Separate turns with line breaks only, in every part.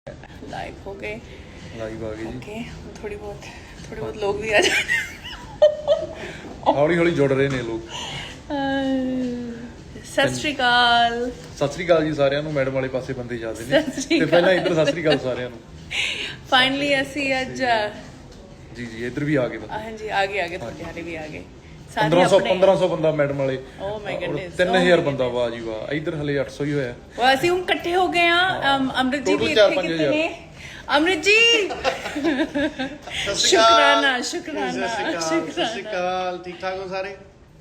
Live हो गए
live आ गई जी।
ओके थोड़ी बहुत लोग भी आ जाए
हौली हौली जुड़ ਰਹੇ ਨੇ ਲੋਕ।
सत श्री अकाल
ਸਤਿ ਸ੍ਰੀ ਅਕਾਲ ਜੀ ਸਾਰਿਆਂ ਨੂੰ। ਮੈਡਮ ਵਾਲੇ ਪਾਸੇ ਬੰਦੇ ਜਾਂਦੇ ਨੇ
ਸਤਿ ਸ੍ਰੀ
ਤੇ ਪਹਿਲਾਂ ਇੱਧਰ ਸਤਿ ਸ੍ਰੀ ਅਕਾਲ ਸਾਰਿਆਂ ਨੂੰ।
फाइनली ਅਸੀਂ ਅੱਜ
ਜੀ ਜੀ ਇੱਧਰ ਵੀ ਆ ਗਏ ਬੰਦੇ।
ਹਾਂਜੀ ਆਗੇ ਤੁਹਾਡੇ ਹਾਲੇ ਵੀ ਆ ਗਏ
1500 ਬੰਦਾ ਮੈਡਮ ਵਾਲੇ।
ਓ ਮਾਈ ਗੁੱਡਨੈਸ
3000 ਬੰਦਾ ਵਾਹ ਜੀ ਵਾਹ। ਇੱਧਰ ਹਲੇ 800 ਹੀ ਹੋਇਆ।
ਉਹ ਅਸੀਂ ਹੁਣ ਇਕੱਠੇ ਹੋ ਗਏ ਆ ਅਮਰਿਤ ਜੀ ਵੀ ਇੱਥੇ ਕਿਤੇ ਨੇ। ਅਮਰਿਤ ਜੀ ਸ਼ੁਕਰਾਨਾ
ਸਤਿ ਸ਼੍ਰੀ ਅਕਾਲ ਠੀਕ ਠਾਕ ਹੋ ਸਾਰੇ।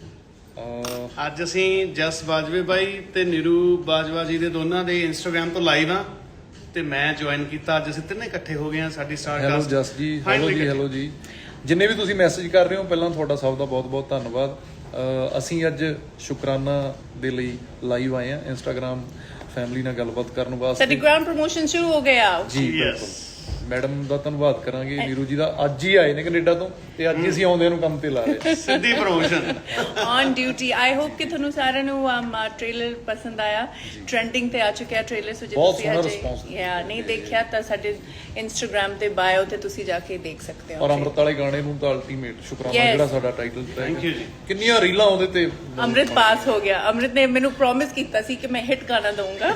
ਅੱਜ ਅਸੀਂ ਜਸ ਬਾਜਵੇ ਬਾਈ ਤੇ ਨੀਰੂ ਬਾਜਵਾ ਜੀ ਦੇ ਦੋਨਾਂ ਦੇ ਇੰਸਟਾਗ੍ਰਾਮ ਤੋਂ ਲਾਈਵ ਆ ਤੇ ਮੈਂ ਜੁਆਇਨ ਕੀਤਾ। ਅੱਜ ਅਸੀਂ ਤਿੰਨੇ ਇਕੱਠੇ ਹੋ ਗਏ ਆ। ਸਾਡੀ
ਹੈਲੋ ਜਸ ਜੀ, ਹੈਲੋ ਜੀ। ਜਿੰਨੇ ਵੀ ਤੁਸੀਂ ਮੈਸੇਜ ਕਰ ਰਹੇ ਹੋ ਪਹਿਲਾਂ ਤੁਹਾਡਾ ਸਭ ਦਾ ਬਹੁਤ ਧੰਨਵਾਦ। ਅਸੀਂ ਅੱਜ ਸ਼ੁਕਰਾਨਾ ਦੇ ਲਈ ਲਾਈਵ ਆਏ ਆ ਇੰਸਟਾਗ੍ਰਾਮ ਫੈਮਿਲੀ ਨਾਲ ਗੱਲਬਾਤ ਕਰਨ ਵਾਸਤੇ।
ਸਾਡੀ ਗ੍ਰਾਂਡ ਪ੍ਰੋਮੋਸ਼ਨ ਸ਼ੁਰੂ ਹੋ ਗਿਆ
ਜੀ ਬਿਲਕੁਲ। ਮੈਡਮ ਦਾ ਧੰਨਵਾਦ ਕਰਾਂਗੇ। ਨੀਰੂ ਜੀ ਦਾ ਅੱਜ ਹੀ ਆਏ ਨੇ ਕੈਨੇਡਾ ਤੋਂ ਤੇ ਅੱਜ ਹੀ ਅਸੀਂ ਆਉਂਦਿਆਂ ਨੂੰ ਕੰਮ ਤੇ ਲਾ ਰਹੇ।
ਸਿੱਧੀ promotion
on duty. I hope ਕਿ ਤੁਹਾਨੂੰ ਸਾਰਿਆਂ ਨੂੰ ਟ੍ਰੇਲਰ ਪਸੰਦ ਆਇਆ। ਟ੍ਰੈਂਡਿੰਗ ਤੇ ਆ ਚੁੱਕਿਆ ਟ੍ਰੇਲਰ। ਸੋ ਜੇ ਤੁਸੀਂ ਅਜੇ ਨਹੀਂ ਦੇਖਿਆ ਤਾਂ ਸਾਡੇ ਇੰਸਟਾਗ੍ਰਾਮ ਤੇ ਬਾਇਓ ਤੇ ਤੁਸੀਂ ਜਾ ਕੇ ਦੇਖ ਸਕਦੇ ਹੋ।
ਔਰ ਅੰਮ੍ਰਿਤ ਵਾਲੇ ਗਾਣੇ ਨੂੰ ਤਾਂ ਅਲਟੀਮੇਟ ਸ਼ੁਕਰਾਨਾ ਜਿਹੜਾ ਸਾਡਾ ਟਾਈਟਲ ਟਰੈਕ।
ਥੈਂਕ ਯੂ ਜੀ।
ਕਿੰਨੀਆਂ ਰੀਲਾਂ ਉਹਦੇ ਤੇ।
ਅੰਮ੍ਰਿਤ ਪਾਸ ਹੋ ਗਿਆ। ਅੰਮ੍ਰਿਤ ਨੇ ਮੈਨੂੰ ਪ੍ਰੋਮਿਸ ਕੀਤਾ ਸੀ ਕਿ ਮੈਂ ਹਿੱਟ ਗਾਣਾ ਦਊਂਗਾ।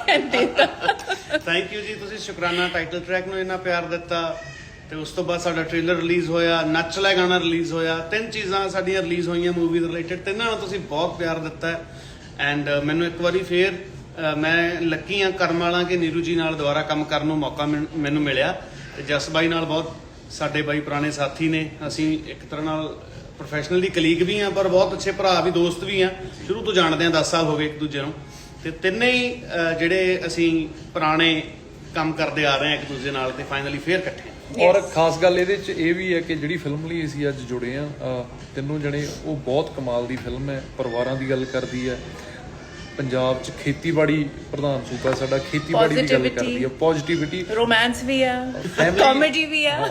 ਥੈਂਕ ਯੂ ਜੀ। ਤੁਸੀਂ ਸ਼ੁਕਰਾਨਾ ਟਾਈਟਲ ਟਰੈਕ ਨੂੰ ਇੰਨਾ ਪਿਆਰ ਦਿੱਤਾ ਤੇ ਉਸ ਤੋਂ ਬਾਅਦ ਸਾਡਾ ਟ੍ਰੇਲਰ ਰਿਲੀਜ਼ ਹੋਇਆ, ਨੱਚ ਲੈ ਗਾਣਾ ਰਿਲੀਜ਼ ਹੋਇਆ। ਤਿੰਨ ਚੀਜ਼ਾਂ ਸਾਡੀਆਂ ਰਿਲੀਜ਼ ਹੋਈਆਂ ਮੂਵੀ ਦੇ ਰਿਲੇਟਡ। ਤਿੰਨਾਂ ਨੂੰ ਤੁਸੀਂ ਬਹੁਤ ਪਿਆਰ ਦਿੱਤਾ ਐਂਡ ਮੈਨੂੰ ਇੱਕ ਵਾਰੀ ਫੇਰ ਮੈਂ ਲੱਕੀ ਆ ਕਰਮ ਵਾਲਾ ਕਿ ਨੀਰੂ ਜੀ ਨਾਲ ਦੁਬਾਰਾ ਕੰਮ ਕਰਨ ਨੂੰ ਮੌਕਾ ਮੈਨੂੰ ਮਿਲਿਆ ਤੇ ਜਸ ਬਾਈ ਨਾਲ ਬਹੁਤ ਸਾਡੇ ਬਾਈ ਪੁਰਾਣੇ ਸਾਥੀ ਨੇ। ਅਸੀਂ ਇੱਕ ਤਰ੍ਹਾਂ ਨਾਲ ਪ੍ਰੋਫੈਸ਼ਨਲੀ ਕਲੀਗ ਵੀ ਆ ਪਰ ਬਹੁਤ ਅੱਛੇ ਭਰਾ ਵੀ ਦੋਸਤ ਵੀ ਆ। ਸ਼ੁਰੂ ਤੋਂ ਜਾਣਦੇ ਆ 10 ਸਾਲ ਹੋ ਗਏ ਇੱਕ ਦੂਜੇ ਨੂੰ ਤੇ ਤਿੰਨੇ ਹੀ ਜਿਹੜੇ ਅਸੀਂ ਪੁਰਾਣੇ ਕੰਮ ਕਰਦੇ ਆ ਰਹੇ ਆ ਇੱਕ ਦੂਜੇ ਨਾਲ ਤੇ ਫਾਈਨਲੀ ਫੇਰ ਇਕੱਠੇ।
ਔਰ ਖਾਸ ਗੱਲ ਇਹਦੇ ਚ ਇਹ ਵੀ ਹੈ ਕਿ ਜਿਹੜੀ ਫਿਲਮ ਲਈ ਅਸੀਂ ਅੱਜ ਜੁੜੇ ਆ ਤਿੰਨੋਂ ਜਣੇ, ਉਹ ਬਹੁਤ ਕਮਾਲ ਦੀ ਫਿਲਮ ਹੈ। ਪਰਿਵਾਰਾਂ ਦੀ ਗੱਲ ਕਰਦੀ ਹੈ। ਪੰਜਾਬ ਚ ਖੇਤੀਬਾੜੀ ਪ੍ਰਧਾਨ ਸੂਬਾ ਸਾਡਾ, ਖੇਤੀਬਾੜੀ ਦੀ ਗੱਲ ਕਰਦੀ ਹੈ। ਪੋਜ਼ਿਟਿਵਿਟੀ,
ਰੋਮਾਂਸ ਵੀ ਆ, ਕਾਮੇਡੀ ਵੀ ਆ।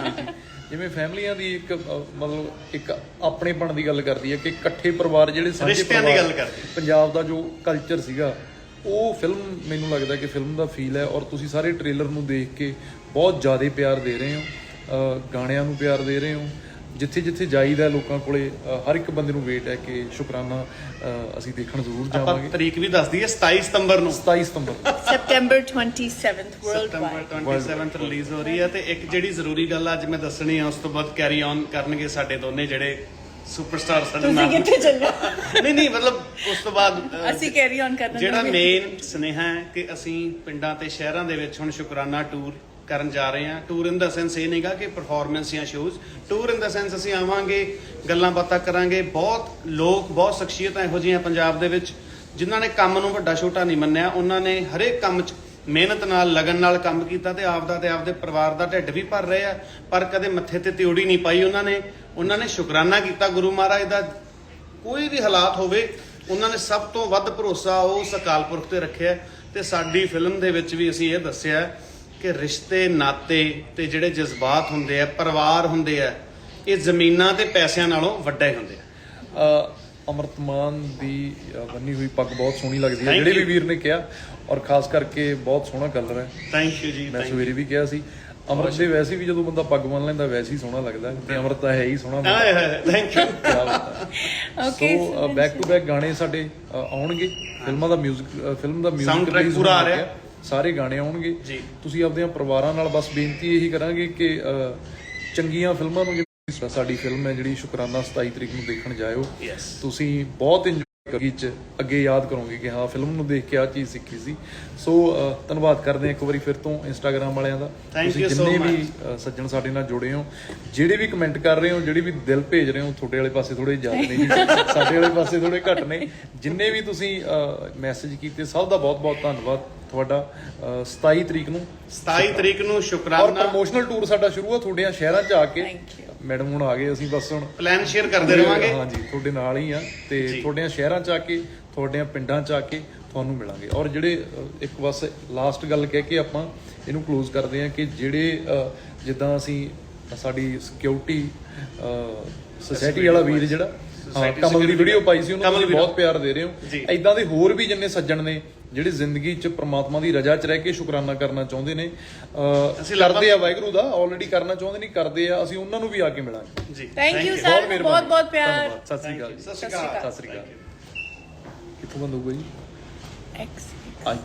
ਜਿਵੇਂ ਫੈਮਲੀਆਂ ਦੀ ਇੱਕ ਮਤਲਬ ਇੱਕ ਆਪਣੇਪਣ ਦੀ ਗੱਲ ਕਰਦੀ ਹੈ ਕਿ ਇਕੱਠੇ ਪਰਿਵਾਰ ਜਿਹੜੇ ਸਾਂਝੇ ਪਰਿਵਾਰ ਪੰਜਾਬ ਦਾ ਜੋ ਕਲਚਰ ਸੀਗਾ ਉਹ ਫਿਲਮ ਮੈਨੂੰ ਲੱਗਦਾ ਕਿ ਫਿਲਮ ਦਾ ਫੀਲ ਹੈ। ਔਰ ਤੁਸੀਂ ਸਾਰੇ ਟ੍ਰੇਲਰ ਨੂੰ ਦੇਖ ਕੇ ਬਹੁਤ ਜ਼ਿਆਦਾ ਪਿਆਰ ਦੇ ਰਹੇ ਹੋ, ਗਾਣਿਆਂ ਨੂੰ ਪਿਆਰ ਦੇ ਰਹੇ ਹੋ। ਜਿੱਥੇ ਜਿੱਥੇ ਜਾਈਦਾ ਲੋਕਾਂ ਕੋਲੇ ਹਰ ਇੱਕ ਬੰਦੇ ਨੂੰ ਵੇਟ ਹੈ ਕਿ ਸ਼ੁਕਰਾਨਾ ਅਸੀਂ ਦੇਖਣ ਜ਼ਰੂਰ ਜਾਵਾਂਗੇ।
ਤਰੀਕ ਵੀ ਦੱਸ ਦਈਏ 27 ਸਤੰਬਰ ਨੂੰ।
27 ਸਤੰਬਰ
September 27th world wide
27th release ਹੋ ਰਹੀ ਹੈ। ਤੇ ਇੱਕ ਜਿਹੜੀ ਜ਼ਰੂਰੀ ਗੱਲ ਅੱਜ ਮੈਂ ਦੱਸਣੀ ਆ ਉਸ ਤੋਂ ਬਾਅਦ ਕੈਰੀ ਔਨ ਕਰਨਗੇ ਸਾਡੇ ਦੋਨੇ ਜਿਹੜੇ ਸੁਪਰਸਟਾਰ ਸਾਡੇ ਨਾਲ।
ਤੁਸੀਂ ਕਿੱਥੇ ਚੱਲੇ?
ਨਹੀਂ ਮਤਲਬ ਉਸ ਤੋਂ ਬਾਅਦ
ਅਸੀਂ ਕੈਰੀ ਔਨ ਕਰਨਾ।
ਜਿਹੜਾ ਮੇਨ ਸੁਨੇਹਾ ਹੈ ਕਿ ਅਸੀਂ ਪਿੰਡਾਂ ਤੇ ਸ਼ਹਿਰਾਂ ਦੇ ਵਿੱਚ ਹੁਣ ਸ਼ੁਕਰਾਨਾ ਟੂਰ ਕਰਨ ਜਾ ਰਹੇ ਹਾਂ। ਟੂਰ ਇਨ ਦਾ ਸੈਂਸ ਇਹ ਨਹੀਂਗਾ ਕਿ ਪਰਫਾਰਮੈਂਸ ਜਾਂ shows. Tour in the sense ਅਸੀਂ ਆਵਾਂਗੇ, ਗੱਲਾਂ ਬਾਤਾਂ ਕਰਾਂਗੇ। ਬਹੁਤ ਲੋਕ, ਬਹੁਤ ਸ਼ਖਸੀਅਤਾਂ ਇਹੋ ਜਿਹੀਆਂ ਪੰਜਾਬ ਦੇ ਵਿੱਚ ਜਿਨ੍ਹਾਂ ਨੇ ਕੰਮ ਨੂੰ ਵੱਡਾ ਛੋਟਾ ਨਹੀਂ ਮੰਨਿਆ। ਉਹਨਾਂ ਨੇ ਹਰੇਕ ਕੰਮ 'ਚ ਮਿਹਨਤ ਨਾਲ, ਲਗਨ ਨਾਲ ਕੰਮ ਕੀਤਾ ਤੇ ਆਪਦਾ ਤੇ ਆਪਦੇ ਪਰਿਵਾਰ ਦਾ ਢਿੱਡ ਵੀ ਭਰ ਰਹੇ ਆ ਪਰ ਕਦੇ ਮੱਥੇ ਤੇ ਤਿਉੜੀ ਨਹੀਂ ਪਾਈ। ਉਹਨਾਂ ਨੇ ਸ਼ੁਕਰਾਨਾ ਕੀਤਾ ਗੁਰੂ ਮਹਾਰਾਜ ਦਾ। ਕੋਈ ਵੀ ਹਾਲਾਤ ਹੋਵੇ ਉਹਨਾਂ ਨੇ ਸਭ ਤੋਂ ਵੱਧ ਭਰੋਸਾ ਉਸ ਅਕਾਲ ਪੁਰਖ ਤੇ ਰੱਖਿਆ। ਤੇ ਸਾਡੀ ਫਿਲਮ ਦੇ ਵਿੱਚ ਵੀ ਅਸੀਂ ਇਹ ਦੱਸਿਆ ਕਿ ਰਿਸ਼ਤੇ ਨਾਤੇ ਤੇ ਜਿਹੜੇ ਜਜ਼ਬਾਤ ਹੁੰਦੇ ਆ, ਪਰਿਵਾਰ ਹੁੰਦੇ ਆ, ਇਹ ਜ਼ਮੀਨਾਂ ਤੇ ਪੈਸਿਆਂ ਨਾਲੋਂ ਵੱਡੇ ਹੁੰਦੇ ਆ।
ਅੰਮ੍ਰਿਤ ਮਾਨ ਦੀ ਬੰਨੀ ਹੋਈ ਪੱਗ ਬਹੁਤ ਸੋਹਣੀ ਲੱਗਦੀ ਹੈ, ਜਿਹੜੇ ਵੀ ਵੀਰ ਨੇ ਕਿਹਾ। ਔਰ ਖਾਸ ਕਰਕੇ ਬਹੁਤ ਸੋਹਣਾ ਕਲਰ ਹੈ।
ਥੈਂਕ ਯੂ ਜੀ।
ਮੈਂ ਸਵੇਰੇ ਵੀ ਕਿਹਾ ਸੀ ਅੰਮ੍ਰਿਤ ਦੇ ਵੈਸੇ ਵੀ ਜਦੋਂ ਬੰਦਾ ਪੱਗ ਬੰਨ ਲੈਂਦਾ ਵੈਸੇ ਹੀ ਸੋਹਣਾ ਲੱਗਦਾ ਤੇ ਅੰਮ੍ਰਿਤ ਤਾਂ ਹੈ ਹੀ ਸੋਹਣਾ।
Thank you.
So back to back ਗਾਣੇ ਸਾਡੇ ਆਉਣਗੇ। ਫਿਲਮਾਂ ਦਾ ਮਿਊਜ਼ਿਕ, ਫਿਲਮ ਦਾ ਮਿਊਜ਼ਿਕ
ਪੂਰਾ ਆ ਰਿਹਾ,
ਸਾਰੇ ਗਾਣੇ ਆਉਣਗੇ। ਤੁਸੀਂ ਆਪਣੀਆਂ ਪਰਿਵਾਰਾਂ ਨਾਲ ਬਸ ਬੇਨਤੀ ਇਹੀ ਕਰਾਂਗੇ ਕਿ ਚੰਗੀਆਂ ਫਿਲਮਾਂ ਨੂੰ, ਸਾਡੀ ਫਿਲਮ ਹੈ ਜਿਹੜੀ ਸ਼ੁਕਰਾਨਾ 27 ਤਰੀਕ ਨੂੰ ਦੇਖਣ ਜਾਇਓ। ਤੁਸੀਂ ਬਹੁਤ ਇੰਜੋਏ ਚ ਅੱਗੇ ਯਾਦ ਕਰੋਗੇ ਕਿ ਹਾਂ ਫਿਲਮ ਨੂੰ ਦੇਖ ਕੇ ਆਹ ਚੀਜ਼ ਸਿੱਖੀ ਸੀ। ਸੋ ਧੰਨਵਾਦ ਕਰਦੇ ਹਾਂ ਇੱਕ ਵਾਰੀ ਫਿਰ ਤੋਂ ਇੰਸਟਾਗ੍ਰਾਮ ਵਾਲਿਆਂ ਦਾ। ਤੁਸੀਂ ਜਿੰਨੇ ਵੀ ਸੱਜਣ ਸਾਡੇ ਨਾਲ ਜੁੜੇ ਹੋ, ਜਿਹੜੇ ਵੀ ਕਮੈਂਟ ਕਰ ਰਹੇ ਹੋ, ਜਿਹੜੇ ਵੀ ਦਿਲ ਭੇਜ ਰਹੇ ਹੋ, ਤੁਹਾਡੇ ਵਾਲੇ ਪਾਸੇ ਥੋੜੇ ਜ਼ਿਆਦਾ ਨੇ ਜੀ, ਸਾਡੇ ਵਾਲੇ ਪਾਸੇ ਥੋੜੇ ਘੱਟ ਨੇ। ਜਿੰਨੇ ਵੀ ਤੁਸੀਂ ਮੈਸੇਜ ਕੀਤੇ ਸਭ ਦਾ ਬਹੁਤ ਧੰਨਵਾਦ ਤੁਹਾਡਾ। 27 ਤਰੀਕ ਨੂੰ ਸ਼ੁਕਰਾਨਾ। ਔਰ ਪ੍ਰਮੋਸ਼ਨਲ ਟੂਰ ਸਾਡਾ ਸ਼ੁਰੂ ਆ ਤੁਹਾਡੇ ਸ਼ਹਿਰਾਂ 'ਚ ਆ ਕੇ। ਮੈਡਮ ਹੁਣ ਆ ਗਏ, ਅਸੀਂ ਬਸ ਹੁਣ
ਪਲਾਨ ਸ਼ੇਅਰ ਕਰਦੇ ਰਹਾਂਗੇ।
ਹਾਂਜੀ ਤੁਹਾਡੇ ਨਾਲ ਹੀ ਆ ਤੇ ਤੁਹਾਡੇ ਸ਼ਹਿਰਾਂ 'ਚ ਆ ਕੇ, ਤੁਹਾਡੇ ਪਿੰਡਾਂ 'ਚ ਆ ਕੇ ਤੁਹਾਨੂੰ ਮਿਲਾਂਗੇ। ਔਰ ਜਿਹੜੇ ਇੱਕ ਬਸ ਲਾਸਟ ਗੱਲ ਕਹਿ ਕੇ ਆਪਾਂ ਇਹਨੂੰ ਕਲੋਜ਼ ਕਰਦੇ ਹਾਂ ਕਿ ਜਿਹੜੇ ਜਿੱਦਾਂ ਅਸੀਂ ਸਾਡੀ ਸਿਕਿਉਰਿਟੀ ਸੁਸਾਇਟੀ ਵਾਲਾ ਵੀਰ ਜਿਹੜਾ ਕਮਲ ਦੀ ਵੀਡੀਓ ਪਾਈ ਸੀ ਉਹਨੂੰ ਤੁਸੀਂ ਬਹੁਤ ਪਿਆਰ ਦੇ ਰਹੇ ਹੋ। ਏਦਾਂ ਦੇ ਹੋਰ ਵੀ ਜਿੰਨੇ ਸੱਜਣ ਨੇ ਜਿਹੜੇ ਜ਼ਿੰਦਗੀ 'ਚ ਪ੍ਰਮਾਤਮਾ ਦੀ ਰਜ਼ਾ 'ਚ ਰਹਿ ਕੇ ਸ਼ੁਕਰਾਨਾ ਕਰਨਾ ਚਾਹੁੰਦੇ ਨੇ,
ਅਸੀਂ
ਕਰਦੇ ਆ ਵਾਹਿਗੁਰੂ ਦਾ, ਆਲਰੇਡੀ ਕਰਨਾ ਚਾਹੁੰਦੇ ਨਹੀਂ, ਕਰਦੇ ਆ, ਅਸੀਂ ਉਹਨਾਂ ਨੂੰ ਵੀ ਆ ਕੇ ਮਿਲਾਂਗੇ
ਜੀ
ਥੈਂਕ ਯੂ ਸਰ, ਬਹੁਤ ਬਹੁਤ ਪਿਆਰ।
ਧੰਨਵਾਦ, ਸਤਿ ਸ੍ਰੀ ਅਕਾਲ ਜੀ।
ਸਤਿ ਸ਼੍ਰੀ ਅਕਾਲ।
ਸਤਿ ਸ੍ਰੀ ਅਕਾਲ। ਕਿੱਥੋਂ ਬੰਦ ਹੋਊਗਾ ਜੀ?
X